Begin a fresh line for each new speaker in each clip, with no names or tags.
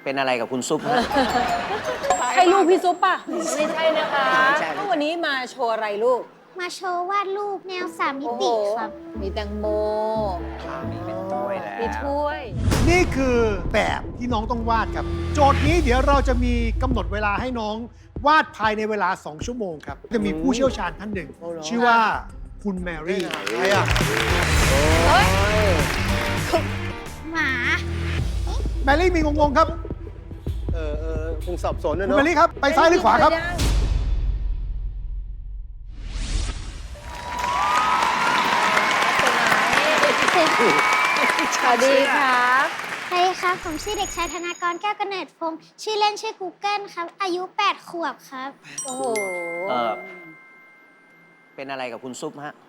เป็นอะไรกับคุณซุปฮะ
ใช่ลูกพี่ซุปป่ะ ไม่ใช่นะคะ
ไม่ใช่
แล้ววันนี้มาโชว์อะไรลูก
มาโชว์วาดรูปแนว3 มิติครับ
มีแตงโม
มีเป็นถ้วยแล้ว
มีถ้วย
นี่คือแบบที่น้องต้องวาดครับ โจทย์นี้เดี๋ยวเราจะมีกำหนดเวลาให้น้องวาดภายในเวลา 2 ชั่วโมงครับ จะมีผู้เชี่ยวชาญท่านหนึ่ง ชื่อว่าคุณแมรี่
ใครอ่ะ
หมา
แมรี่มีงงๆครับ
คงสับสนนะ
คุณ
เนาะ
แมรี่ครับ ไปซ้ายหรือขวาครับ
สวัสดีครับ
สวัสดีครับ ผมชื่อเด็กชายธนากรแก้วกำเนิดพงศ์ชื่อเล่นชื่อ Google ครับ อายุ 8 ขวบครับ
โอ้โห
เป็นอะไรกับคุณซุปฮะ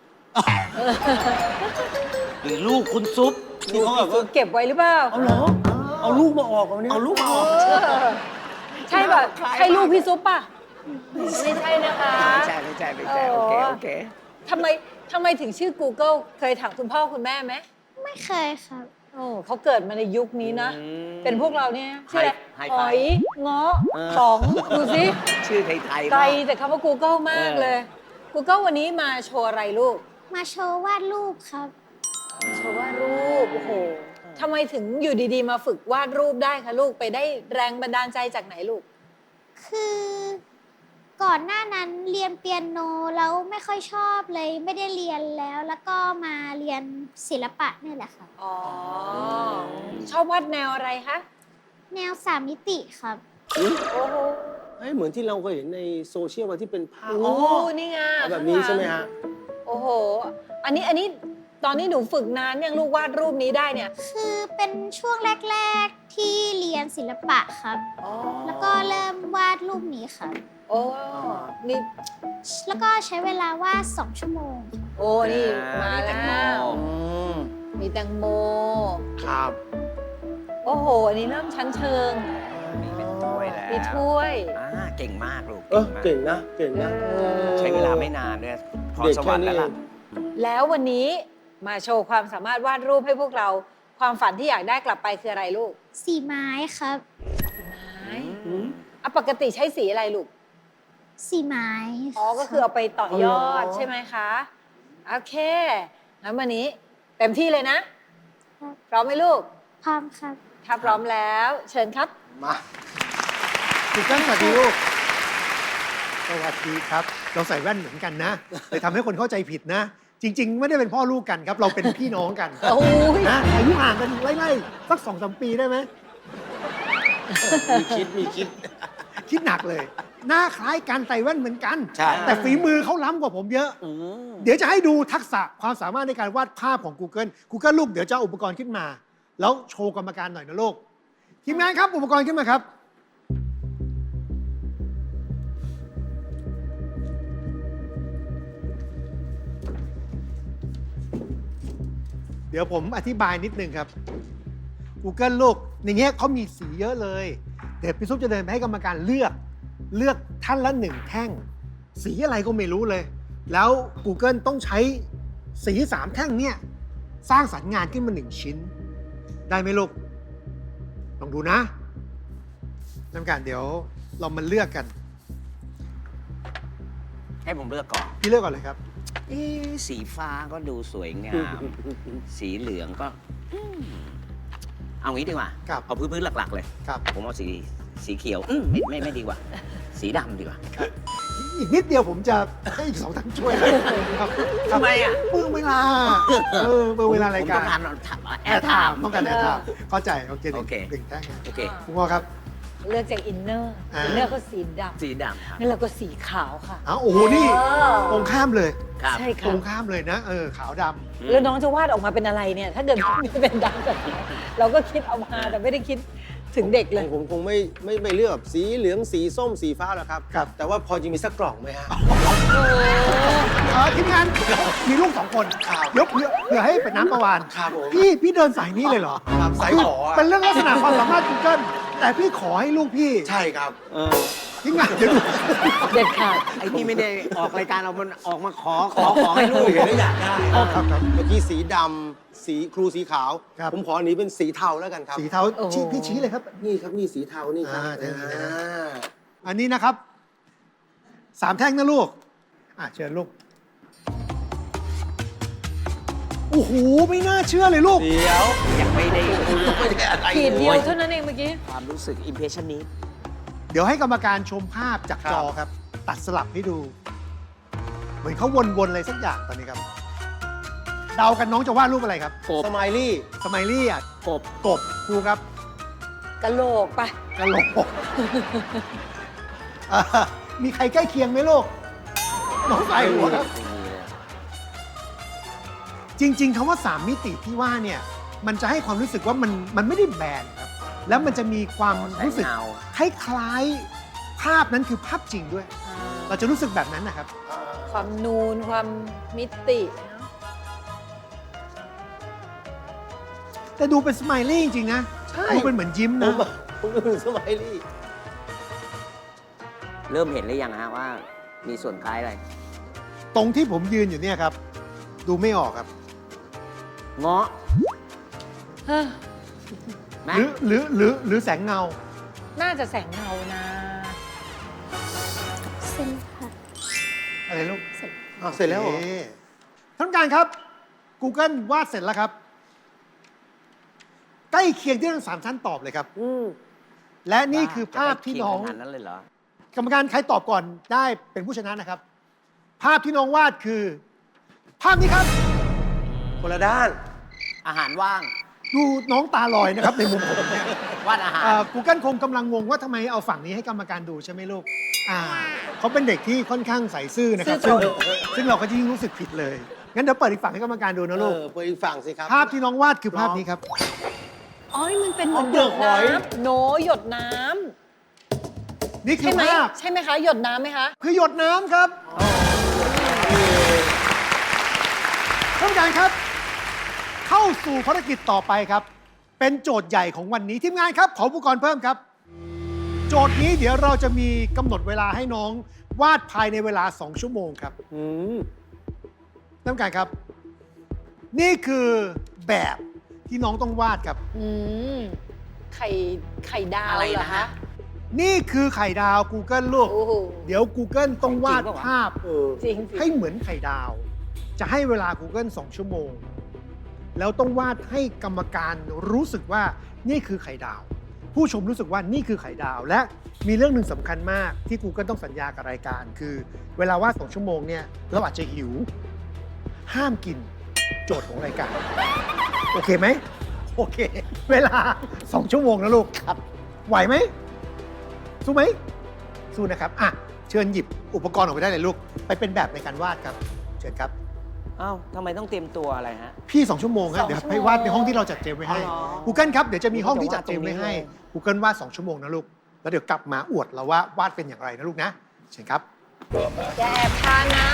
หรือลูกคุณซุป
นี่เขาแบบว่า
เก็บไว้หรือเปล่า
เอาเหรอ เอาลูกมาออกเอาเนี่ย
เอาลูกมาออก
ใช่ป่ะใช่ลูกพี่ซุปป่ะ ไม่ใช่นะคะ
ไม่ใช่ไม่ใช่ไม่ใช่โอเคโอเค
ทำไมถึงชื่อ Google เคยถามคุณพ่อคุณแม่ไหม
ไม่เคยครับ
โอ้เขาเกิดมาในยุคนี้นะ
อืม
เป็นพวกเราเนี่ยชื่ออะไร
ไฮ
ห
ไฟ
อยเงาะ
เออ
สองดูสิ
ชื่อไทยๆ
ไกล
มาก
แต่คำว่า Google มากเลย Google วันนี้มาโชว์อะไรลูก
มาโชว์วาดรูปครับ
โชว์วาดรูป โอ้โหทำไมถึงอยู่ดีๆ มาฝึกวาดรูปได้คะลูก ไปได้แรงบันดาลใจจากไหนลูก
คือก่อนหน้านั้นเรียนเปียโนแล้วไม่ค่อยชอบเลยไม่ได้เรียนแล้วก็มาเรียนศิลปะนี่แหละครับ
อ๋อ ชอบวาดแนวอะไรคะ
แนว3 มิติครับ
โอ้โห
เฮ้ยเหมือนที่เราเคยเห็นในโซเชียลว่าที่เป็นภาพ
โอ้นี่ไง
แบบนี้ใช่ไหมฮะ
โอ้โห อันนี้ตอนนี้หนูฝึกนานยังลูกวาดรูปนี้ได้เนี่ย
คือเป็นช่วงแรก ๆ ที่เรียนศิลปะครับ
อ๋อ
แล้วก็เริ่มวาดรูปนี้ครับ
โอ้นี่
แล้วก็ใช้เวลาวาด2 ชั่วโมง
โอ้นี่มา
แตงโม
แล้ว
ม
มีแตงโม
ครับ
โอ้โห อันนี้เริ่มชั้นเชิง
มีเป็นถ้วยแล้ว
มีถ้วย
เก่งมากลูก
เก่งนะ เก่งนะ
ใช้เวลาไม่นานด้วยพร
เด็ก
สว
แค่
รรค์
นี้
แล้ว
เอ
ล่ะ
ง
แล้ววันนี้มาโชว์ความสามารถวาดรูปให้พวกเรา ความฝันที่อยากได้กลับไปคืออะไรลูก
สีไม้ครับ
ไม้อ่ะปกติใช้สีอะไรลูก
สีไม้
อ๋อ ก็คือเอาไปต่อยอด
อ๋อ
ใช่ไหมคะ โอเค งั้นวันนี้เต็มที่เลยนะ พร้อมไหมลูก
พร้อมครับ
ถ้าพร้อมแล้ว เชิญครับ
มา
คุณกันสวัสดีลูก สวัสดีครับ เราใส่แว่นเหมือนกันนะเลยทำให้คนเข้าใจผิดนะ จริง ๆ ไม่ได้เป็นพ่อลูกกันครับ เราเป็นพี่น้องกัน
โอ้ย
นะอายุห่างกันไล่ๆสัก2-3 ปีได้ไหม
มีคิด
คิดหนักเลย หน้าคล้ายกันใส่แว่นเหมือนกัน
ใช่
แต่ฝีมือเขาล้ำกว่าผมเยอะ เดี๋ยวจะให้ดูทักษะความสามารถในการวาดภาพของ Google ลูกเดี๋ยวจะเอาอุปกรณ์ขึ้นมา แล้วโชว์กรรมการหน่อยนะลูก ทีมงานครับอุปกรณ์ขึ้นมาครับ เดี๋ยวผมอธิบายนิดนึงครับ Google ลูกในเงี้ยเขามีสีเยอะเลย เดี๋ยวพี่ซุปจะเดินไปให้กรรมการเลือกท่านละ1 แท่ง สีอะไรก็ไม่รู้เลย แล้ว Google ต้องใช้สี3 แท่งเนี่ยสร้างสรรค์งานขึ้นมา1 ชิ้น ได้ไหมลูก ลองดูนะกรรมการเดี๋ยวเรามาเลือกกัน
ให้ผมเลือกก่อน
พี่เลือกก่อนเลยครับ
สีฟ้าก็ดูสวยงาม สีเหลืองก็เอางี้ดีกว่า
ครับ
เอาพื้นๆหลักๆเลย
ครับ
ผมเอาสีเขียวไม่ดีกว่า สีดำดีกว่า
อีกนิดเดียวผมจะให้อีก2 ท่านช่วยเลยครับ
ทำไมอ่ะ
เปลืองเวลาเปลืองเวลารายการ
ผมต้องการแอร์ไทม์
ต้องการแอร์ไทม์เข้าใจโอเค
โอเค
หนึ่งแท่งนะ
โอเค
คุณพ่อครับ
เลือกจากอินเนอร์
อ่า
อินเนอร์ก็สีดำ
สีดำครับ
งั้นเราก็สีขาวค่ะ
อ้าวโอ้โหนี่
เออ
ตรงข้ามเลย
ครับ
ใช่
ตร
ค่ะ
งข้ามเลยนะขาวด
แล้วน้องจะวาดออกมาเป็นอะไรเนี่ย ถ้าเกิดไม่เป็นดำแบบนี้เราก็คิดเอามาแต่ไม่ได้คิดถึงเด็กเลย
ผมคงไม่เลือกแบบสีเหลืองสีส้มสีฟ้าหรอกครับ แต่ว่าพอจะมีสักกล่องไหมฮะ
ำทีมงานมีลูก2 คนยกเพื่อให้เป็นน้ำประวาน
ครับผม
พี่เดินสายนี้เลยเหรอ
ครับสายขออะ
เป็นเรื่องลักษณะความสามารถ Google แต่พี่ขอให้ลูกพี่
ใช่ครับ
ททีมงานเดี๋ยวดู
เด็ดขาด
ไอ้นี่ไม่ได้ออกรายการเรามันออกมาขอให้ลูก
เห็นแล้วอยากได้
ครับ
เมื่อกี้สีดำสีครูสีขาว
ครับ
ผมขออันนี้เป็นสีเทาแล้วกันครับ
สีเทา
โอ้โห
พี่ชี้เลยครับ
นี่ครับนี่สีเทานี่ครับ
ได้เลยนะ อันนี้นะครับ 3 แท่งนะลูก เชิญลูก โอ้โห ไม่น่าเชื่อเลยลูก
เดี๋ยว
ยังไม่ได้
ไม่ได้อะไร
ขีดเดียว
โอ้ย
เท่านั้นเองเมื่อกี้
ความรู้สึกอิมเพรสชันนี้
เดี๋ยวให้กรรมการชมภาพจากจอครับ ตัดสลับให้ดู เหมือนเขาวนๆอะไรสักอย่างตอนนี้ครับ เดากันน้องจะวาดรูปอะไรครับ
กบ
สไมลี่
สมัยลี่อ่ะ
กบ
กบครูครับ
กะโหลกไป
กะโหลกมีใครใกล้เคียงไหมลูก น้องสายหัวครับ จริง ๆคำว่า 3 มิติที่ว่าเนี่ย มันจะให้ความรู้สึกว่ามันไม่ได้แบนครับ แล้วมันจะมีความรู้สึก
แสงเงา
คล้ายๆภาพนั้นคือภาพจริงด้วย เราจะรู้สึกแบบนั้นนะครับ
ความนูน ความมิติเนอะ
แต่ดูเป็นสไมลี่จริงๆนะ
ใช่
ดูเป็นเหมือนยิ้ม
ผ
นะ
มดูสไมลี่
เริ่มเห็นหรือยังฮะว่ามีส่วนคล้ายอะไร
ตรงที่ผมยืนอยู่เนี่ยครับ ดูไม่ออกครับ
เงาะ
เฮ้อ
ไหม
หรือแสงเงา
น่าจะแสงเงานะ
เส้นค่ะ
อะไรลูก
เสร็จ
เสร็จแล้วเหรอ
โอเคท่านผู้การครับ Google วาดเสร็จแล้วครับ ใกล้เคียงที่ทั้ง3ท่านตอบเลยครับ และนี่คือภาพที่น้อง
จะไปเคียขนาดนั้นเลยเหรอ
กรรมการใครตอบก่อนได้เป็นผู้ชนะนะครับ ภาพที่น้องวาดคือ ภาพนี้ครับ
คนละด้าน
อาหารว่าง
ดูน้องตาลอยนะครับ ในมุมผมเนี่ยว
าดอาหาร
Google คงกำลังงงว่าทำไมเอาฝั่งนี้ให้กรรมการดูใช่ไหมลูกเขาเป็นเด็กที่ค่อนข้างใส่ซื่อนะครับ
ซื่อตรง
ซึ่งเราก็ยิ่งรู้สึกผิดเลย งั้นเดี๋ยวเปิดอีกฝั่งให้กรรมการดูนะลูก
เปิดอีกฝั่งสิครับ
ภาพที่น้องวาดคือภาพนี้ครับ
อ๋อ มันเป็นเหมือน
เปลือกหอย
น้ำโนหยดน้
นี่
ำ
คื
ใช่
อ
ไหม
ภาพ
ใช่ไหมคะ หยดน้ำไหมคะ
คือหยดน้ำครับท่านผู้การครับ เข้าสู่ภารกิจต่อไปครับ เป็นโจทย์ใหญ่ของวันนี้ทีมงานครับ ขออุปกรณ์เพิ่มครับ โจทย์นี้เดี๋ยวเราจะมีกำหนดเวลาให้น้องวาดภายในเวลา 2 ชั่วโมงครับ
อืม
ท่านผู้การครับ นี่คือแบบที่น้องต้องวาดครับ
อืม ไข่ดาว
อะไร
เหรอ
นะ
คะ
ฮะ
นี่คือไข่ดาว Google ลูก
โอ้โห
เดี๋ยว Google ต้องวาด
จริงปะวะ
ภาพ
จริงสิ
ให้เหมือนไข่ดาว จะให้เวลา Google 2 ชั่วโมง แล้วต้องวาดให้กรรมการรู้สึกว่านี่คือไข่ดาว ผู้ชมรู้สึกว่านี่คือไข่ดาว และมีเรื่องหนึ่งสำคัญมากที่ Google ต้องสัญญากับรายการ คือเวลาวาด2 ชั่วโมงเนี่ยเราอาจจะหิว ห้ามกินโจทย์ของรายการ โอเคไหม โอเค เวลา 2 ชั่วโมงนะลูก
ครับ
ไหวไหม สู้ไหม สู้นะครับ เชิญหยิบอุปกรณ์ออกไปได้เลยลูก ไปเป็นแบบในการวาดครับ เชิญครับ
เอ้าทำไมต้องเตรียมตัวอะไรฮะ
พี่ 2 ชั่วโมงครับ
2
เดี๋ยว
ชั่วโมง
ให้วาดในห้องที่เราจัดเตรียมไว้ให้
อ๋อ
Google ครับ เดี๋ยวจะมีห้องที่จัดเตรียมไว้ให้
จะวาดตรงนี้เลย
Google วาด 2 ชั่วโมงนะลูก แล้วเดี๋ยวกลับมาอวดเราว่าวาดเป็นอย่างไรนะลูกนะ เชิญครับ
อย่าแอบทานนะ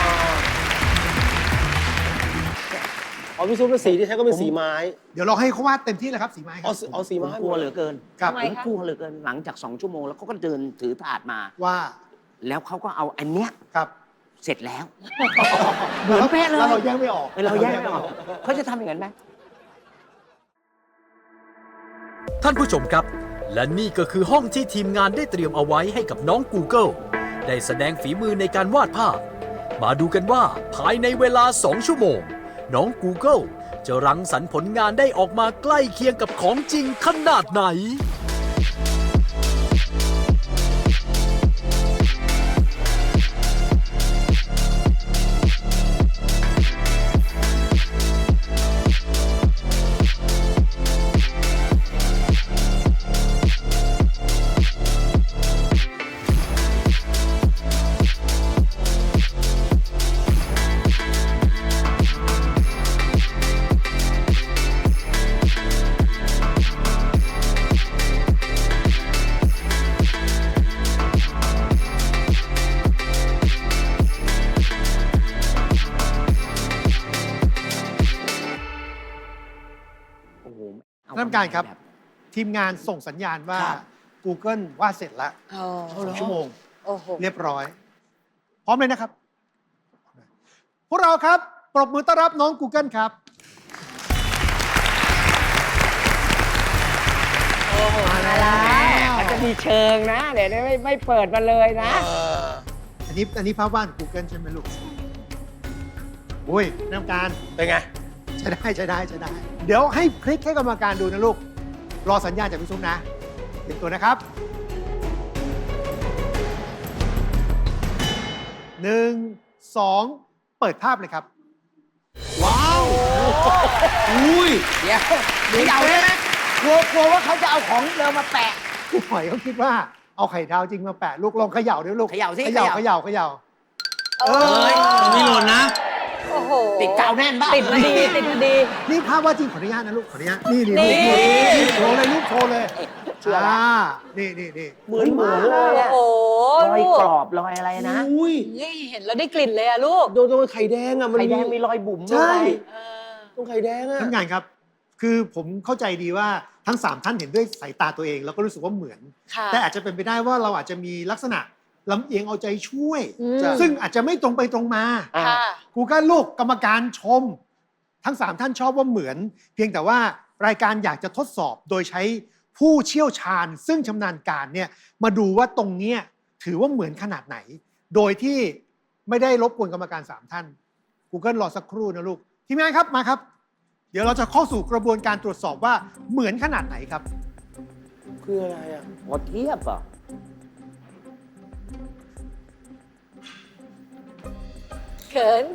อ๋อพี่ซุปเป็นสีที่ใช้ก็เป็นสีไม้
เดี๋ยวเราให้เขาวาดเต็มที่เลยครับสีไม้ค
เอา
รับ
เอาสี
ผ
ไม้
มกลัวเหลือเกิน
ครับ
ทำไม
ผมกลัวเหลือเกิน หลังจาก 2 ชั่วโมงแล้วเขาก็เดินถือถาดมา
ว่า
แล้วเขาก็เอาอันเนี้ย
ครับ
เสร็จแล้ว เหมือนเป๊ะเลย
แล้วเราแยกไม่ออก
เราแยกไม่ออกเขาจะทำอย่างนั้นไหม
ท่านผู้ชมครับ และนี่ก็คือห้องที่ทีมงานได้เตรียมเอาไว้ให้กับน้อง Google ได้แสดงฝีมือในการวาดภาพ มาดูกันว่าภายในเวลา 2 ชั่วโมง น้อง Google จะรังสรรค์ผลงานได้ออกมาใกล้เคียงกับของจริงขนาดไหน
โอ้โหเอ
ท่านผู้การครับ
แบบ
ทีมงานส่งสัญญาณว่า
ครับ
Google วาดเสร็จแล้ว
โอ้
2 ชั่วโมง
โอ้โห
เรียบร้อย พร้อมเลยนะครับ พวกเราครับปรบมือต้อนรับน้อง Google ครับ
มาแล้ว
มันจะมีเชิงนะ เดี๋ยวนี้ไม่เปิดมาเลยนะ
อันนี้ภาพวาด Google ใช่ไหมลูกอุ้ยน้ำการ
เป็นไง
ใช้ได้ใช้ได้ใช้ได้ เดี๋ยวให้พลิกให้กรรมการดูนะลูก รอสัญญาณจากพี่ซุปนะเตรียมตัวนะครับ1 2 เปิดภาพเลยครับ
ว้าว อุ้ย
เดี๋ยวเดาได้ไหมกลัวว่าเขาจะเอาของเดิมมาแปะ
ผู้หอยเขาคิดว่าเอาไข่ดาวจริงมาแปะลูกลองเขย่าด้วยลูก
เขย่าสิ
เขย่า
เข
เข
ย่า
ย่าเขย่า
เออ
ไม่หล่นนะ
โอ้โห
ติดกาวแน่นบ้า
ติดมาดีติดมาดี
นี่ภาพว่าดจริงขออนุญาตนะลูกขออนุญาตนี่
นี่
ลูกโชว์เลยลูกโชว์เลย
เชื่อละ
นี่
เหมือนเลย
โอ้โห
รอย
ลูก
กรอบรอยอะไรนะ
อุ้ย
นี่เห็นแล้วได้กลิ่นเลยอะลูก
โดนไข่แดงอ่ะ มัน
ไข่แดงมีรอยบุ๋ม
ใช่
ด้วย
เออ
ตรงไข่แดงอ่ะ
ท่านงานครับ คือผมเข้าใจดีว่าทั้ง 3 ท่านเห็นด้วยสายตาตัวเองแล้วก็รู้สึกว่าเหมือน
ค่ะ
แต่อาจจะเป็นไปได้ว่าเราอาจจะมีลักษณะลำเอียงเอาใจช่วย
อืม
ซึ่งอาจจะไม่ตรงไปตรงมา
ค่ะ
ครูก็ลูกกรรมการชม ทั้ง 3 ท่านชอบว่าเหมือน เพียงแต่ว่ารายการอยากจะทดสอบโดยใช้ผู้เชี่ยวชาญ ซึ่งชำนาญการเนี่ยมาดูว่าตรงเนี้ยถือว่าเหมือนขนาดไหน โดยที่ไม่ได้รบกวนกรรมการ 3 ท่าน Google รอสักครู่นะลูกทีมงานครับมาครับ เดี๋ยวเราจะเข้าสู่กระบวนการตรวจสอบว่าเหมือนขนาดไหนครับ
คืออะไรอ่ะ
หมดเทียบอ่ะ
เขิน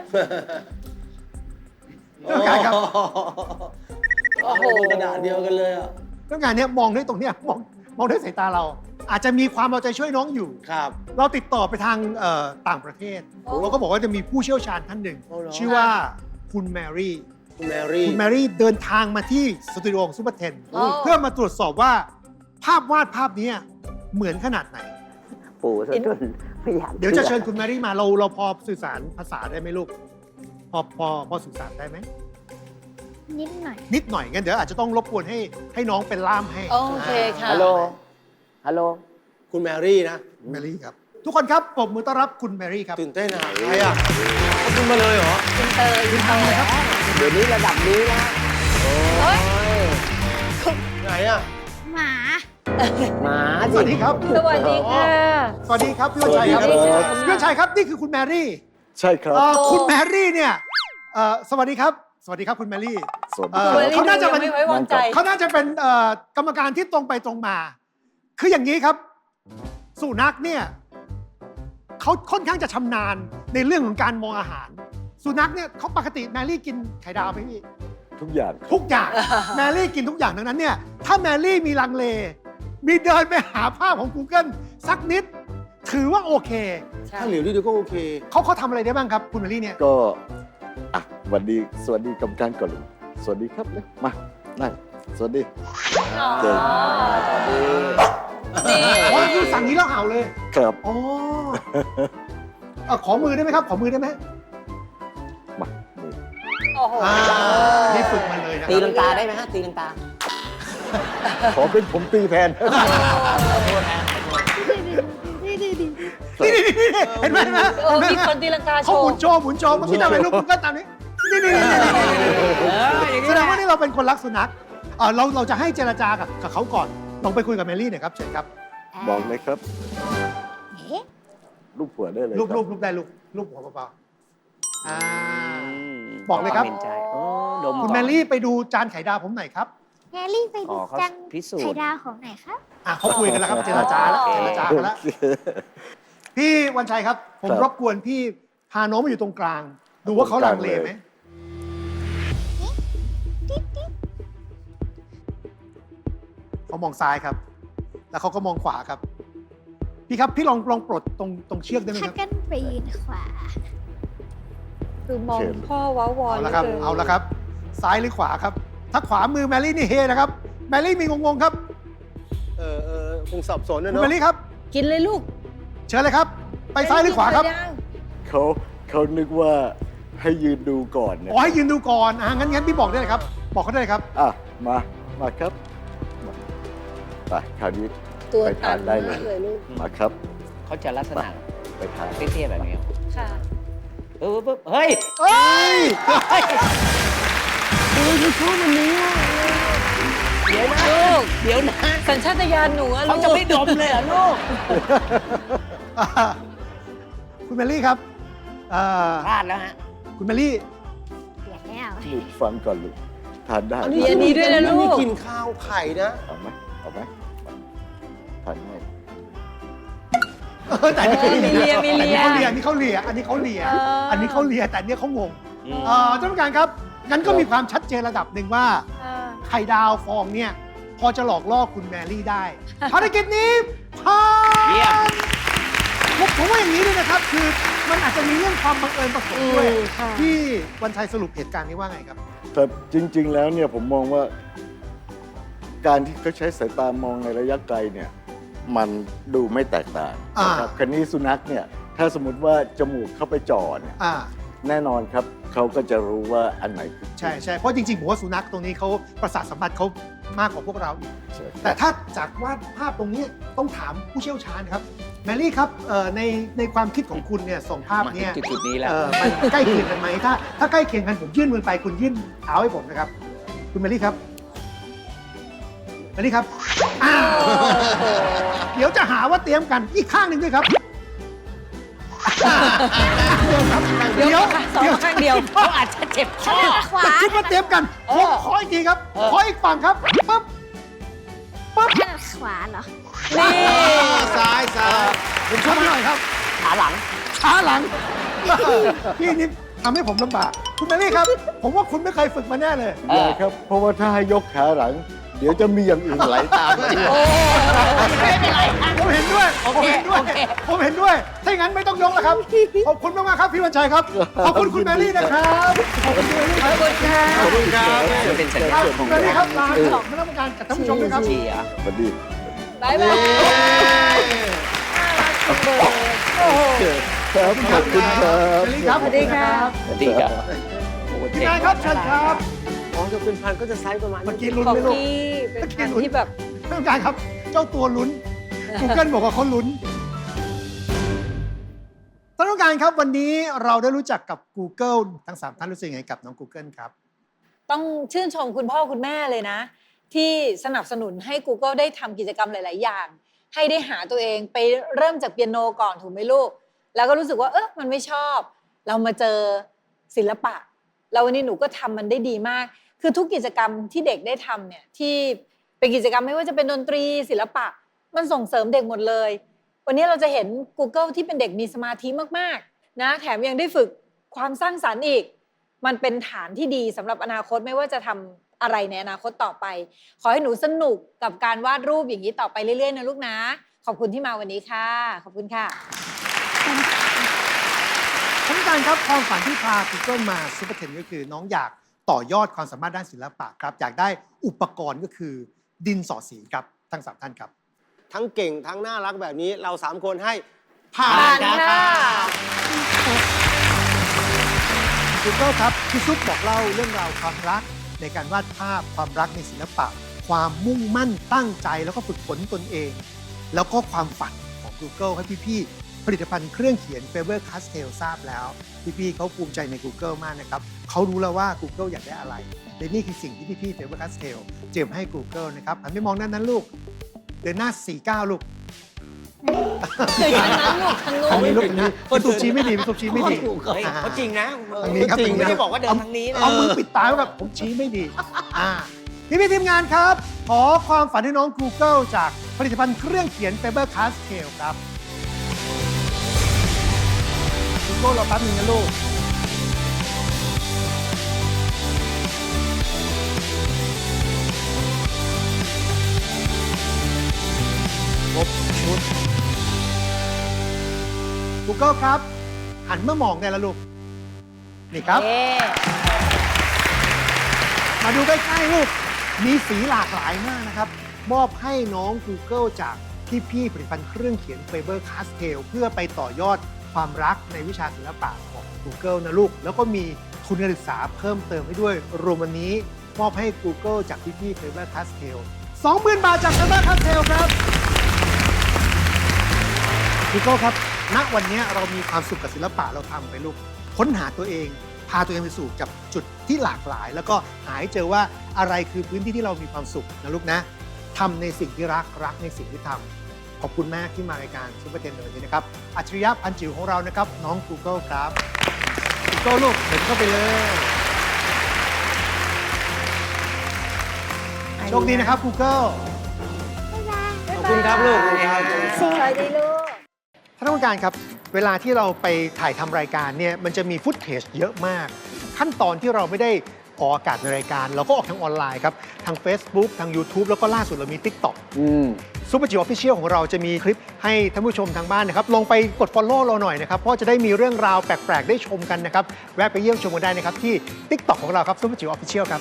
ต้องการครับ
โอ้โหกระดาษเดียวกันเลยอ่ะ
ต้องการเนี่ยมองด้วยตรงเนี้ยมองด้วยสายตาเรา อาจจะมีความเอาใจช่วยน้องอยู่
ครับ
เราติดต่อไปทางต่างประเทศ
โอ้
เราก็บอกว่าจะมีผู้เชี่ยวชาญท่านหนึ่ง
โอ้เหรอ
ชื่อว่าคุณแมรี่
คุณแมรี่
คุณแมรี่เดินทางมาที่สตูดิโอของซูเปอร์เทน
อ๋อ
เพื่อมาตรวจสอบว่าภาพวาดภาพนี้เหมือนขนาดไหน
ปู่ซะจนไม่อยาก
เดี๋ยวจะเชิญคุณแมรี่มาเราพอสื่อสารภาษาได้ไหมลูก พอสื่อสารได้ไหม
นิดหน่อย
นิดหน่อยงั้นเดี๋ยวอาจจะต้องรบกวนให้น้องเป็นล่ามให้
โอเคค่ะ
ฮัลโหล ฮัลโหล
คุณแมรี่นะ
แมรี่ครับ ทุกคนครับปรบมือต้อนรับคุณแมรี่ครับ
ตื่นเต้นอ่ะใครอ่ะเขาขึ้นมาเลยเหรอ
คุณเตยคุณเตยครับ
เดี๋ยวนี้ระดับนี้นะ
เฮ้ย
ไหนอ่ะ
หมา
หมา
สวัสดีครับ
สวัสดีค่ะ
สวัสดีครับพี่วันชัยครับ
สวัสดีครับ
พี่วันชัยครับนี่คือคุณแมรี่
ใช่ครับ
คุณแมรี่เนี่ยสวัสดีครับ สวัสดีครับคุณแมรี่
สวัสดี
เอ่
ค
อ
รับ
เขาน่าจะเป็น
ไม่ไว้วางใจ
เขาน่าจะเป็นกรรมการที่ตรงไปตรงมา คืออย่างนี้ครับ สุนัขเนี่ยเขาค่อนข้างจะชำนาญในเรื่องของการมองอาหาร สุนัขเนี่ยเขาปกติแมรี่กินไข่ดาวไหมพี่
ทุกอย่าง
ทุกอย่าง แมรี่กินทุกอย่างดังนั้นเนี่ยถ้าแมรี่มีลังเล มีเดินไปหาภาพของ Google สักนิด ถือว่าโอเค
ถ้าเหลียวนิดเดียวก็โอเค
เขาทำอะไรได้บ้างครับ คุณแมรี่เนี่ย
ก็อ่ะสวัสดีกรรมการก่อนเลยสวัสดีครับเลยมานั่งสวัสดี
อ๋อ
เก่ง
นี่
อ๋อคือสั่งนี้แล้วเห่าเลย
ครับ
อ๋อขอมือได้ไหมครับ ขอมือได้ไหม
มามือ
โอ้โห
นี่ฝึกมาเลยนะค
ตี
รับ
ลังกาได้ไหมฮะ ตีลังกา
ขอเป็นผมตีแทน
นี่เห็นไหมเห็นไหม
เออมีคนตีลังกาโช
เขาหมุ
ว์
นโชว์เมื่อกี้ทำอะไรลูกคุณก็ตามนี้นี่แสดงว่านี่เราเป็นคนรักสุนัขเราจะให้เจรจากับเขาก่อนลองไปคุยกับแมรี่หน่อยครับเชิญครับ
บอกเลยครับ
เอ๊ะ
ลูกผัวได้เลย
รูป
ครับ
ได้รูปหัวเปล่าบอกเลยครับ
ห็นใจโอ้ดม
คุณ
ก่อน
แมรี่ไปดูจานไข่ดาวผมหน่อยครับ
แมรี่ไป
อ๋
ดู
อเขา
จัง
พิสูจน์
ไข่ดาวของไหนครับ
เขาคุยกันแล้วครับเจรจาแล้วกันแล้ว พี่วันชัยครับ ผมรบกวนพี่พาน้องมาอยู่ตรงกลาง ดูว่าเขาลังเลไหมเขามองซ้ายครับ แล้วเขาก็มองขวาครับ พี่ครับพี่ลองปลดตรงเชือกได้ไหม
ถ้า
ครับ
กันไปยืนขวา
คือมองพ่อว้าวอน
เอาละครับ
หลืกิน
เอาละครับ ซ้ายหรือขวาครับ ถ้าขวามือแมรี่นี่เฮนะครับ แมรี่มีงงๆครับ
คงสับสนนะ
คุณ
เนาะ
แมรี่ครับ
กินเลยลูก
เชิญเลยครับ ไปซ้ายหรือขวาครับ
เขานึกว่าให้ยืนดูก่อนนะ
อ๋อให้ยืนดูก่อนงั้นพี่บอกได้เลยครับ บอกเขาได้เลยครับ
มาครับมาไปคราวนี้
ตัว
ไป
ตั
ทาน
น
ได้
มาก
เล
เลย ยลูก
มาครับ
เขาจะลักษณะ
ไปทาน
เตี้ยๆแบบนี้
ค่ะ
ปึ๊บเฮ้ย
เฮ้ย
เดี๋ยวนะ
ลูก
เดี๋ยวนะ
สัญชาตญาณหนูอะลู
เขา
ก
จะไม่ดมเลยเหรอลูก
คุณแมรี่ครับเอ่อ
พลาดแล้วฮะ
คุณแมรี่
เปลี่ยนแล้ว
ลูกฟังก่อนลูกทานได้
มีอันนี้ด้วยนะลูก
นี่กินข้าวไข่นะ
เอาไหมเอาไหมทานง่าย
แต่อันนี้
มีเลียมีเลีย
อันนี้เขาเลีย อันนี้เขาเลีย อันนี้เขาเลีย แต่อันเนี้ยเขางง
อืม
ท่านผู้การครับ งั้นก็มีความชัดเจนระดับหนึ่งว่า ไข่ดาวฟองเนี่ย พอจะหลอกล่อคุณแมรี่ได้ ภารกิจนี้ผ่าน
เยี่ยม
ผมว่าอย่างนี้ด้วยนะครับ คือมันอาจจะมีเรื่องความบังเอิญผสมด้วย
ค่ะ
ที่วันชัยสรุปเหตุการณ์นี้ว่าไงครับ
แต่จริง ๆ แล้วเนี่ยผมมองว่า การที่เขาใช้สายตามองในระยะไกลเนี่ย มันดูไม่แตกต่างนะครับคันนี้สุนัขเนี่ย ถ้าสมมติว่าจมูกเข้าไปจ่อเนี่ย
อ่า
แน่นอนครับ เขาก็จะรู้ว่าอันไหนคือ
ใช่ใช่เพราะจริงๆผมว่าสุนัขตรงนี้เขาประสาทสัมผัสเขามากกว่าพวกเราอีก
ใช่
แต่ถ้าจากวาดภาพตรงนี้ต้องถามผู้เชี่ยวชาญครับ แมรี่ครับในความคิดของคุณเนี่ยส่งภาพ
มา
เนี่ย
ถึงจุดๆนี้แล้ว
มันใกล้เคียงกันไหมถ้าใกล้เคียงกันผมยื่นมือไปคุณยื่นเท้าให้ผมนะครับ คุณแมรี่ครับแมรี่ครับอ้าวเดี๋ยวจะหาว่าเตรียมกันอีกข้างหนึ่งด้วยครับเดี๋ยว
สองข้างเดียว
เขาอาจจะเจ็บคอ
ขวา
จะคิดว่าเตรียมกันผมขออีกทีครับขออีกฝั่งครับปั๊บปั๊บ
ถนัดขวาเหรอ
นี่
ซ้ายซ้าย
ผมชอบหน่อยครับ
ขาหลัง
ช้าหลัง พี่นี่ทำให้ผมลำบาก คุณแมรี่ครับ ผมว่าคุณไม่เคยฝึกมาแน่เลย
ใช่ครับ เพราะว่าถ้าให้ยกขาหลัง เดี๋ยวจะมีอย่างอื่นไหลตามมาอีก
ไม่เป็นไรฮะ
ผมเห็นด้วย
โอ
ผม
เค
เห็นด้วย
โอเค
ผมเห็นด้วย ถ้าอย่างนั้นไม่ต้องยกแล้วครับ ขอบคุณมากๆครับพี่วันชัยครับ ขอบคุณคุณแมรี่นะครับ ขอบคุณคุณแมรี่ครับ
ขอบคุณค่ะ
ขอบคุณครับ
จะเป็นสัญ
ค
ญา
รับ
ณ
คุณแมรี่ครับลาท่านคณะกรรมการกับท่านผู้ชมด้วยครับ
เชียร์
สวัสดี
บ๊ายบายโอ้โห
ครับขอบคุณครับ
แมรี่ครับ
สวัสดีครับ
สวัสดีครับโอ้
พี่
เจ๋ง
นายครับเชิญครับ
อ๋อจะเป็นพันก็จะไซส์ประมาณ
เมื่อ
นี้
กี้ลุ้น
ของ
ไหมลูก
พี่เป็นพันธุ์ที่แบบ
ท่านผู้การครับ เจ้าตัวลุ้น Google บอกว่าเขาลุ้น ท่านผู้การครับวันนี้เราได้รู้จักกับ Google ทั้ง 3 ท่านรู้สึกยังไงกับน้อง Google ครับ
ต้องชื่นชมคุณพ่อคุณแม่เลยนะ ที่สนับสนุนให้ Google ได้ทำกิจกรรมหลาย ๆ อย่าง ให้ได้หาตัวเองไปเริ่มจากเปียโนก่อนถูกไหมลูก แล้วก็รู้สึกว่ามันไม่ชอบ เรามาเจอศิลปะ แล้ววันนี้หนูก็ทำมันได้ดีมาก คือทุกกิจกรรมที่เด็กได้ทำเนี่ยที่เป็นกิจกรรมไม่ว่าจะเป็นดนตรีศิลปะ มันส่งเสริมเด็กหมดเลย วันนี้เราจะเห็น Google ที่เป็นเด็กมีสมาธิมากๆนะแถมยังได้ฝึกความสร้างสรรค์อีก มันเป็นฐานที่ดีสำหรับอนาคตไม่ว่าจะทำอะไรในอนาคตต่อไป ขอให้หนูสนุกกับการวาดรูปอย่างนี้ต่อไปเรื่อยๆนะลูกนะ ขอบคุณที่มาวันนี้ค่ะ ขอบคุณค่ะ
ท่านผู้การครับความฝันที่พา Google มาซูเปอร์เทนก็คือน้องอยากต่อยอดความสามารถด้านศิลปะครับอยากได้อุปกรณ์ก็คือดินสอสีครับทั้ง 3 ท่านครับ
ทั้งเก่งทั้งน่ารักแบบนี้เรา 3 คนให้
ผ่า
ผ่าน นค่ะ
Google ครับพี่ซุปบอกเล่าเรื่องราวความรักในการวาดภาพความรักในศิลปะ ความมุ่งมั่นตั้งใจแล้วก็ฝึกฝนตนเอง แล้วก็ความฝันของ Google ให้พี่ๆผลิตภัณฑ์เครื่องเขียน Faber Castell ทราบแล้วพี่ๆเขาภูมิใจใน Google มากนะครับเขารู้แล้วว่า Google อยากได้อะไรและนี่คือสิ่งที่พี่ๆ Faber Castell เตรียมให้ Google นะครับหันไปมองด้านนั้นลูกเดินหน้า 49 ลูก
คือทางนั้นลูกทางนู้
ทาง
น
นี้ลูกนี้พี่ซุปชี้ไม่ดีพี่ซุปชี้ไม่ดี
เฮ้ยเขาจริงนะ
ทางนี้ครับ
จริง
ไม่
นะ
ได้บอกว่าเดินทางนี้นะ
เอามือปิดตาไว้แบบผมชี้ไม่ดีพี่ทีมงานครับ ขอความฝันให้น้อง Google จากผลิตภัณฑ์เครื่องเขียน Faber Castell ครับ Google รอแป๊บนึงนะลูก ครบชุด Google ครับ หันมามองได้แล้วลูก นี่ครับ
เอ๊ะ
มาดูใกล้ๆลูก มีสีหลากหลายมากนะครับ มอบให้น้อง Google จากพี่ๆผลิตภัณฑ์เครื่องเขียน Faber Castell เพื่อไปต่อยอดความรักในวิชาศิลปะของ Google นะลูก แล้วก็มีทุนการศึกษาเพิ่มเติมให้ด้วย รวมวันนี้มอบให้ Google จากพี่ๆ Faber Castell 20,000 บาทจาก Faber Castell ครับ Google ครับ ณ วันนี้เรามีความสุขกับศิลปะเราทำไปลูก ค้นหาตัวเอง พาตัวเองไปสู่กับจุดที่หลากหลาย แล้วก็หาให้เจอว่าอะไรคือพื้นที่ที่เรามีความสุขนะลูกนะทำในสิ่งที่รักในสิ่งที่ทำขอบคุณมากที่มารายการซุปเปอร์เทนในวันนี้นะครับอัจฉริยะพันจิ๋วของเรานะครับน้อง Google ครับ Google ลูกเห็นเข้าไปเลยโชคดีนะครับ Google
ขอบคุณครับลูก
สวัสดีลูก
ท่านผู้การครับ เวลาที่เราไปถ่ายทำรายการเนี่ยมันจะมีฟุตเทจเยอะมาก ขั้นตอนที่เราไม่ได้ออกอากาศในรายการ เราก็ออกทางออนไลน์ครับ ทาง Facebook ทาง YouTube แล้วก็ล่าสุดเรามี TikTok ซุปเปอร์จิ๋วออฟฟิเชียลของเราจะมีคลิปให้ท่านผู้ชมทางบ้านนะครับ ลงไปกด Follow เราหน่อยนะครับ เพราะจะได้มีเรื่องราวแปลก ๆ ได้ชมกันนะครับ แวะไปเยี่ยมชมกันได้นะครับ ที่ TikTok ของเราครับซุปเปอร์จิ๋วออฟฟิเชียลครับ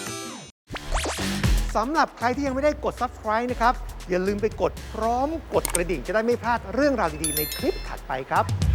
สำหรับใครที่ยังไม่ได้กด Subscribe นะครับอย่าลืมไปกดพร้อมกดกระดิ่งจะได้ไม่พลาดเรื่องราวดีๆในคลิปถัดไปครับ